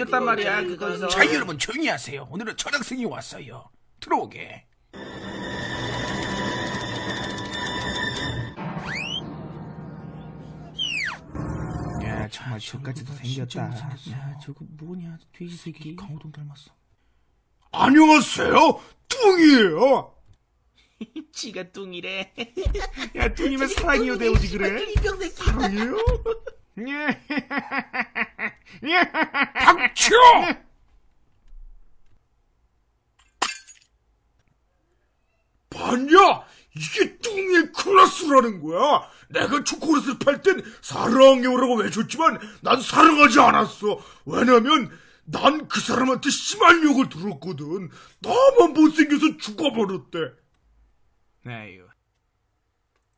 생겼단 말이야 그거에서. 자, 여러분 조용히 하세요. 오늘은 전학생이 왔어요. 들어오게. 야, 정말 저까지도 생겼다. 야 저거 뭐냐 돼지 새끼. 강호동 닮았어. 안녕하세요, 뚱이에요. 지가 뚱이래. 야, 뚱이면 사랑이요 대우지 그래? 이병 새끼. 사랑해요? 닥쳐! 봤냐? 이게 뚱이의 클라스라는 거야. 내가 초콜릿을 팔 땐 사랑해요라고 외쳤지만 난 사랑하지 않았어. 왜냐면 난 그 사람한테 심한 욕을 들었거든. 나만 못생겨서 죽어버렸대. 아유,